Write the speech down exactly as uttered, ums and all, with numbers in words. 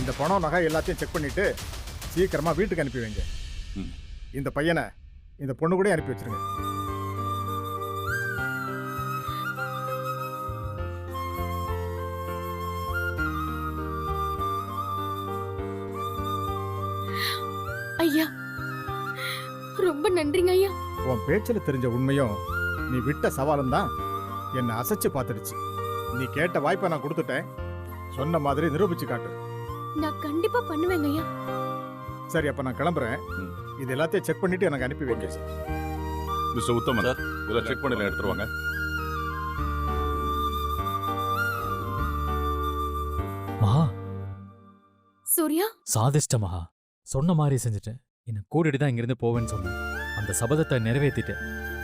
இந்த பணம் நகை எல்லாத்தையும் செக் பண்ணிட்டு சீக்கிரமா வீட்டுக்கு அனுப்பி வைங்க. இந்த பையனை இந்த பொண்ணு கூட அனுப்பி வச்சிருங்க. ஐயா ரொம்ப நன்றிங்க ஐயா. உன் பேச்சில் தெரிஞ்ச உண்மையும் நீ விட்ட சவாலும் தான் என்னை அசைச்சு பார்த்துடுச்சு. நீ கேட்ட வாய்ப்பை நான் கொடுத்துட்டேன். சொன்ன மாதிரி நிரூபிச்சு காட்டு. நான் கண்டிப்பா பண்ணுவேங்க ஐயா. சரி, அப்ப நான் கிளம்புறேன். இது எல்லாத்தையும் செக் பண்ணிட்டு எனக்கு அனுப்பி வைங்க. மிஸ்டர் உத்தமன், இதெல்லாம் செக் பண்ணி எடுத்துருவாங்க. மகா, சூர்யா, சாதிஷ்ட மகா. சொன்ன மாதிரி செஞ்சுட்டேன். என்னை கூட்டிட்டு தான் இங்கிருந்து போவேன்னு சொன்னேன். அந்த சபதத்தை நிறைவேற்றிட்டேன்.